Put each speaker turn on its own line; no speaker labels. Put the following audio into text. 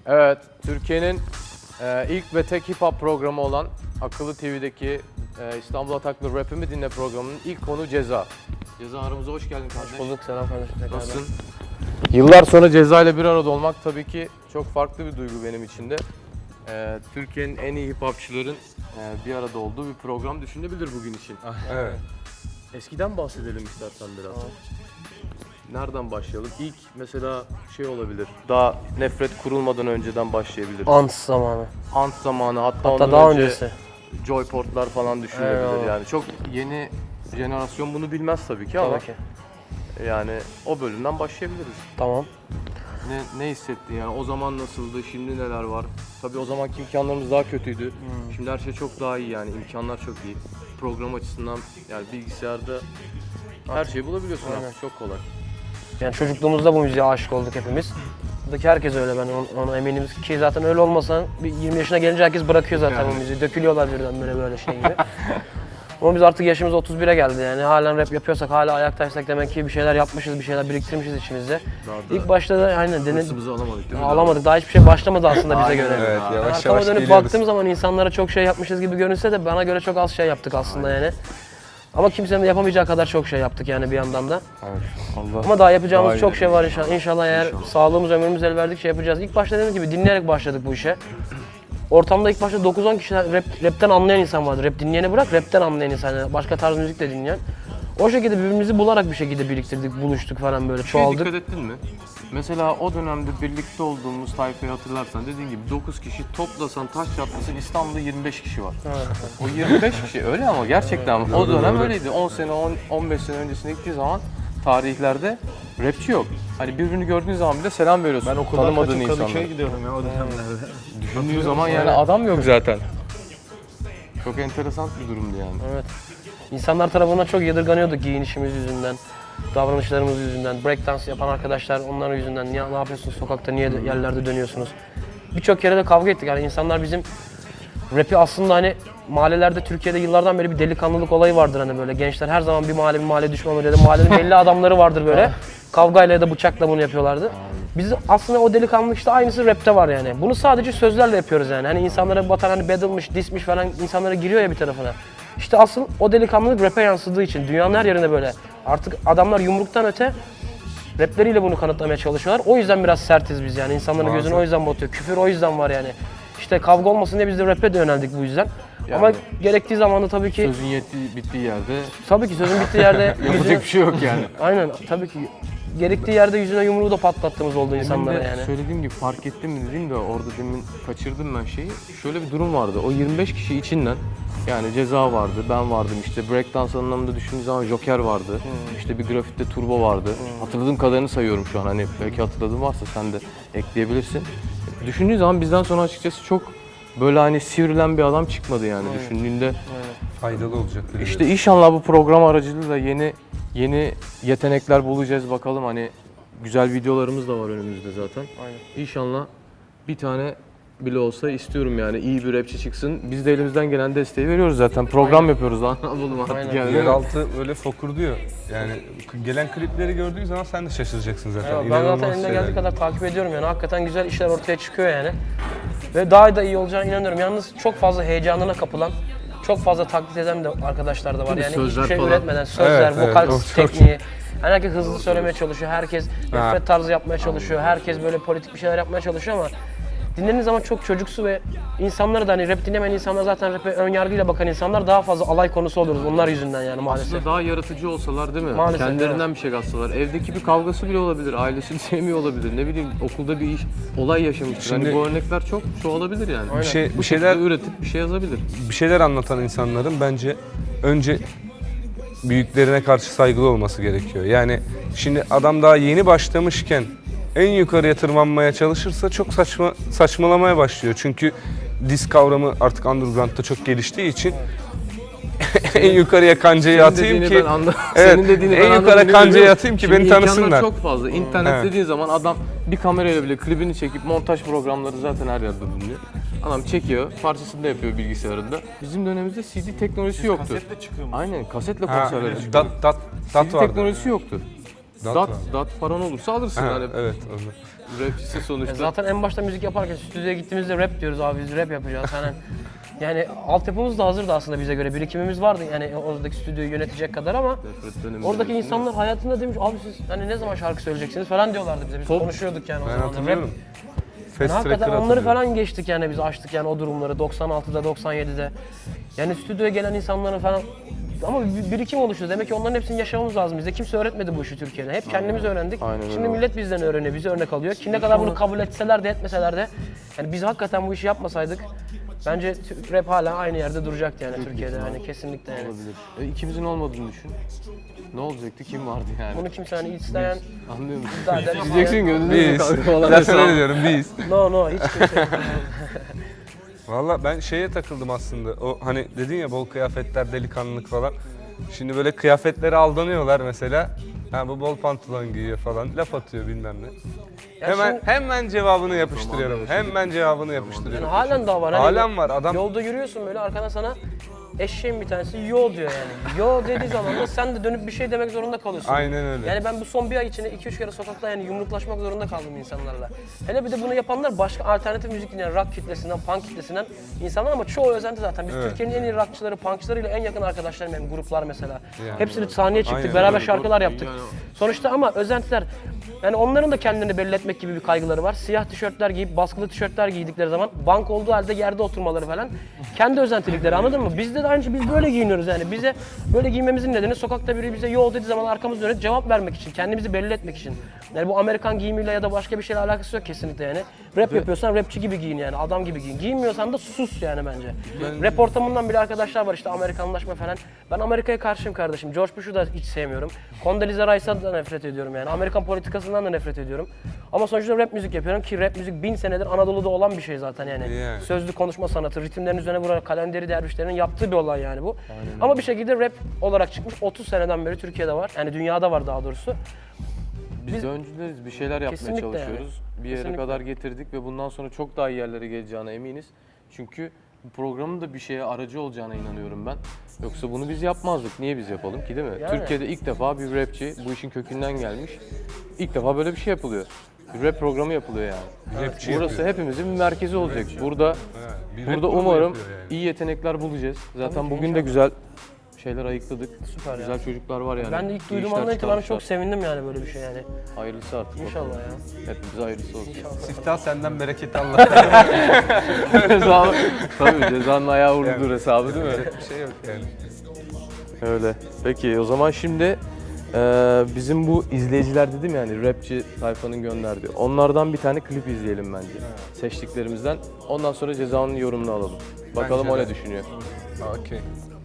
Evet, Türkiye'nin ilk ve tek hip hop programı olan Akıllı TV'deki İstanbul Ataklı Rap'imi Dinle programının ilk konu Ceza. Ceza, aramıza hoş geldin kardeş.
Hoş bulduk, selam kardeşim.
Nasılsın? Yıllar sonra Ceza ile bir arada olmak tabii ki çok farklı bir duygu benim için de. Türkiye'nin en iyi hip hopçıların bir arada olduğu bir program düşünebilir bugün için.
Evet.
Eskiden bahsedelim istersen biraz. Nereden başlayalım? İlk mesela şey olabilir. Daha nefret kurulmadan önceden başlayabiliriz.
Ant zamanı.
Ant zamanı, hatta
Hatta
ondan
daha
önce
öncesi.
Joyport'lar falan düşünülebilir.
Eyvallah.
Yani çok yeni jenerasyon bunu bilmez tabii ki ama
Tabii ki.
yani o bölümden başlayabiliriz.
Tamam.
Ne hissettin yani? O zaman nasıldı? Şimdi neler var? Tabii o zamanki imkanlarımız daha kötüydü. Şimdi her şey çok daha iyi yani. İmkanlar çok iyi. Program açısından yani bilgisayarda her şeyi bulabiliyorsun
Aynen.
artık. Çok kolay.
Yani çocukluğumuzda bu müziğe aşık olduk hepimiz. Buradaki herkes öyle, ben ona eminim ki zaten öyle olmasa bir 20 yaşına gelince herkes bırakıyor zaten
Yani.
bu müziği. Dökülüyorlar birden böyle şey gibi. Ama biz artık yaşımız 31'e geldi yani. Halen rap yapıyorsak, hala ayaktaysak demek ki bir şeyler yapmışız, bir şeyler biriktirmişiz içimizde.
Daha
İlk başta da aynen
hırsımızı alamadık değil mi?
alamadık. Daha hiçbir şey başlamadı aslında bize göre.
Evet, yavaş
Arkama
yavaş
dönüp
geliyoruz.
baktığım zaman insanlara çok şey yapmışız gibi görünse de bana göre çok az şey yaptık aslında yani. Ama kimsenin de yapamayacağı kadar çok şey yaptık yani bir yandan da.
Evet. Allah.
Ama daha yapacağımız
Daha
çok
iyi.
şey var inşallah. İnşallah eğer sağlığımız, ömrümüz el verdikçe yapacağız. İlk başta dediğim gibi dinleyerek başladık bu işe. Ortamda ilk başta 9-10 kişi rapten anlayan insan vardı. Rap dinleyeni bırak, rapten anlayan insan. Yani başka tarz müzik de dinleyen. O şekilde birbirimizi bularak bir şekilde biriktirdik, buluştuk falan böyle,
Şeye
çoğaldık.
dikkat ettin mi? Mesela o dönemde birlikte olduğumuz tayfayı hatırlarsan dediğin gibi 9 kişi toplasan taş çatlasın İstanbul'da 25 kişi var. O 25 kişi öyle ama gerçekten o dönem öyleydi. 10 sene, 15 sene öncesine gittiği zaman tarihlerde rapçi yok. Hani birbirini gördüğün zaman bile selam veriyorsun.
Ben okuldan
tanımadığın
kaçıp
insanlara.
Kadıköy'e gidiyordum ya o dönemlerde.
Düşündüğün zaman yani adam yok zaten. Çok enteresan bir durumdu yani.
Evet. İnsanlar tarafından çok yadırganıyorduk giyinişimiz yüzünden, davranışlarımız yüzünden. Breakdance yapan arkadaşlar onların yüzünden. Ne yapıyorsunuz sokakta, niye yerlerde dönüyorsunuz? Birçok kere de kavga ettik. Yani insanlar bizim rap'i aslında hani mahallelerde Türkiye'de yıllardan beri bir delikanlılık olayı vardır hani böyle. Gençler her zaman bir mahalle düşmanları ya da mahallenin belli adamları vardır böyle. Kavgayla ya da bıçakla bunu yapıyorlardı. Biz aslında o delikanlılık işte aynısı rapte var yani. Bunu sadece sözlerle yapıyoruz yani. Hani insanlara batan hani battle'mış, dismiş falan insanlara giriyor ya bir tarafına. İşte asıl o delikanlılık rap'e yansıdığı için dünyanın her yerinde böyle. Artık adamlar yumruktan öte rapleriyle bunu kanıtlamaya çalışıyorlar. O yüzden biraz sertiz biz yani. İnsanların gözünü o yüzden batıyor. Küfür o yüzden var yani. İşte kavga olmasın diye biz de rap'e de yöneldik bu yüzden.
Yani
ama gerektiği zaman da tabii ki
Sözün bittiği yerde
tabii ki sözün bittiği yerde
yapacak bir şey yok yani.
aynen tabii ki gerektiği yerde yüzüne yumruğu da patlattığımız oldu insanlara
Demin de
yani.
söylediğim gibi fark ettim mi dedim de orada demin kaçırdım ben şeyi. Şöyle bir durum vardı. O 25 kişi içinden yani Ceza vardı, ben vardım işte breakdance anlamında düşündüğün zaman Joker vardı. İşte bir grafitte Turbo vardı. Hatırladığım kadarını sayıyorum şu an. Hani belki hatırladığın varsa sen de ekleyebilirsin. Düşündüğün zaman bizden sonra açıkçası çok böyle hani sivrilen bir adam çıkmadı yani düşündüğünde.
Faydalı olacak.
İşte inşallah bu program aracılığıyla yeni yetenekler bulacağız bakalım hani güzel videolarımız da var önümüzde zaten.
Aynen.
İnşallah bir tane bile olsa istiyorum yani iyi bir rapçi çıksın. Biz de elimizden gelen desteği veriyoruz zaten. Program yapıyoruz lan. Alalım artık
Aynen.
yani.
Yeraltı böyle fokurduyor. Yani gelen klipleri gördüğün zaman sen de şaşıracaksın zaten.
Evet, ben
İnanılmaz
zaten elimden
şeyler.
geldiği kadar takip ediyorum yani. Hakikaten güzel işler ortaya çıkıyor yani. Ve daha da iyi olacağına inanıyorum. Yalnız çok fazla heyecanına kapılan, çok fazla taklit eden de arkadaşlar da var. Yani
Sözler
hiçbir şey
falan.
üretmeden sözler,
Evet,
vokal
evet, çok
tekniği. Yani herkes hızlı söylemeye çalışıyor, herkes nefret tarzı yapmaya çalışıyor, herkes böyle politik bir şeyler yapmaya çalışıyor ama dinlediğiniz zaman çok çocuksu ve insanları da hani rap dinlemeyen insanlar zaten rap'e ön yargıyla bakan insanlar daha fazla alay konusu oluyoruz onlar yüzünden yani maalesef.
Aslında daha yaratıcı olsalar değil mi?
Maalesef,
Kendilerinden bir şey katsalar. Evdeki bir kavgası bile olabilir, ailesini sevmiyor olabilir. Ne bileyim okulda bir olay yaşamıştır.
Şimdi-
Hani bu örnekler çok çoğalabilir yani.
Bir şeyler
Üretip bir şey yazabilir.
bir şeyler anlatan insanların bence önce büyüklerine karşı saygılı olması gerekiyor. Yani şimdi adam daha yeni başlamışken en yukarıya tırmanmaya çalışırsa çok saçmalamaya başlıyor. Çünkü diss kavramı artık underground'da çok geliştiği için en yukarıya kancayı atayım ki evet,
Senin dediğini
en
ben
yukarı
anladım,
kancayı
biliyorum.
atayım ki
Şimdi
beni tanısınlar.
imkanlar çok fazla. İnternet
Evet.
dediğin zaman adam bir kamerayla bile klibini çekip montaj programları zaten her yerde bulunuyor. Adam çekiyor, parçasını da yapıyor bilgisayarında. Bizim dönemimizde CD teknolojisi yoktu.
Kasetle çıkıyor mu?
Aynen, kasetle
Ha,
konserlere çıkıyor.
dat
CD
vardı.
teknolojisi yoktu.
Dat
Dat,
var.
dat paran olursa alırsın.
Ha,
Hani
evet. Onu.
Rapçisi sonuçta.
Zaten en başta müzik yaparken stüdyoya gittiğimizde rap diyoruz abi biz rap yapacağız. Yani altyapımız da hazırdı aslında bize göre. Birikimimiz vardı yani oradaki stüdyoyu yönetecek kadar ama
Nefret dönemi
oradaki
demişsin,
insanlar hayatında demiş abi siz hani ne zaman şarkı söyleyeceksiniz falan diyorlardı bize. Biz konuşuyorduk yani o
Ben
zaman.
hatırlıyorum.
Yani
Fast
hakikaten
Tracker
onları
hatırlıyorum.
falan geçtik yani biz açtık yani o durumları 96'da 97'de. Yani stüdyoya gelen insanların falan ama bir birikim oluştu. Demek ki onların hepsini yaşamamız lazım. Bize kimse öğretmedi bu işi Türkiye'de. Hep kendimiz öğrendik.
Aynen öyle
Şimdi
oldu.
millet bizden öğreniyor, bize örnek alıyor. Ki ne kadar bunu kabul etseler de etmeseler de yani biz hakikaten bu işi yapmasaydık bence rap hala aynı yerde duracaktı yani Türkiye'de. Yani kesinlikle yani.
olabilir. İkimizin olmadığını düşün. Ne olacaktı? Kim vardı yani?
Bunu kimse hani isteyen
Anlıyor musun?
iddia eden ama
Diyeceksin gönlünde
Biz.
falan.
Zaten öyle diyorum biz.
no hiç kimse.
Valla ben şeye takıldım aslında. O hani dedin ya bol kıyafetler, delikanlılık falan. Şimdi böyle kıyafetlere aldanıyorlar mesela. Ha bu bol pantolon giyiyor falan. Laf atıyor bilmem ne. Hemen cevabını yapıştırıyorum. Hemen cevabını yapıştırıyorum.
Yani halen daha var. Hani
Halen var adam.
Yolda yürüyorsun böyle arkana sana eşeğin bir tanesi yo diyor yani. Yo dediği zaman da sen de dönüp bir şey demek zorunda kalıyorsun.
Aynen öyle.
Yani ben bu son bir ay içinde 2-3 kere sokakta yani yumruklaşmak zorunda kaldım insanlarla. Hele bir de bunu yapanlar başka alternatif müzik dinleyen rock kitlesinden, punk kitlesinden insanlar ama çoğu özenti zaten. Biz
Evet.
Türkiye'nin en iyi rockçıları, punkçılarıyla en yakın arkadaşlarım benim gruplar mesela.
Yani.
Hepsini sahneye çıktık,
Aynen
beraber
öyle.
şarkılar yaptık.
Yani
Sonuçta ama özentiler yani onların da kendini belli etmek gibi bir kaygıları var. Siyah tişörtler giyip baskılı tişörtler giydikleri zaman bank olduğu halde yerde oturmaları falan. Kendi özentilikleri anladın mı? Bizde de aynı şey, biz böyle giyiniyoruz yani. Bize böyle giymemizin nedeni sokakta biri bize yo dediği zaman arkamız dönüp cevap vermek için, kendimizi belli etmek için. Yani bu Amerikan giyimiyle ya da başka bir şeyle alakası yok kesinlikle yani. Rap yapıyorsan rapçi gibi giyin yani, adam gibi giyin. Giyinmiyorsan da sus yani bence. Rap ortamından bile arkadaşlar var işte Amerikanlaşma falan. Ben Amerika'ya karşıyım kardeşim. George Bush'u da hiç sevmiyorum. Condoleezza Rice'dan da nefret ediyorum yani. Amerikan politikasından da nefret ediyorum. Ama sonuçta rap müzik yapıyorum ki rap müzik 1000 senedir Anadolu'da olan bir şey zaten yani.
Yani.
Sözlü konuşma sanatı, ritimlerin üzerine vurarak kalenderi dervişlerinin yaptığı bir olay yani bu. Ama bir şekilde rap olarak çıkmış 30 seneden beri Türkiye'de var. Yani dünyada var daha doğrusu.
Biz de öncüleriz. Bir şeyler yapmaya
Kesinlikle
çalışıyoruz. Bir yere
Kesinlikle.
kadar getirdik ve bundan sonra çok daha iyi yerlere geleceğine eminiz. Çünkü bu programın da bir şeye aracı olacağına inanıyorum ben. Yoksa bunu biz yapmazdık. Niye biz yapalım ki değil mi?
Yani.
Türkiye'de ilk defa bir rapçi bu işin kökünden gelmiş. İlk defa böyle bir şey yapılıyor. Bir rap programı yapılıyor yani.
Rapçi
Burası
yapıyor.
hepimizin bir merkezi olacak. Burada
Ha, bir rap
burada
grubu
umarım
yapıyor yani.
iyi yetenekler bulacağız. Zaten
ki,
bugün de güzel şeyler ayıkladık.
Süper ya.
Güzel çocuklar var yani.
Ben de ilk
İyi
duyduğum
işler
andan itibaren çok
çıkarmışlar.
sevindim yani böyle bir şey yani.
Hayırlısı artık.
İnşallah
bakalım.
ya.
Hepimize hayırlısı olsun.
Siftah senden bereketi Allah.
Ceza, tabii cezanın ayağı vurulur hesabı değil mi?
Bir şey yok yani.
Öyle. Peki o zaman şimdi bizim bu izleyiciler dedim yani rapçi tayfanın gönderdiği. Onlardan bir tane klip izleyelim bence. Seçtiklerimizden. Ondan sonra cezanın yorumunu alalım. Bakalım
Bence
o
de.
ne düşünüyor.
Okey.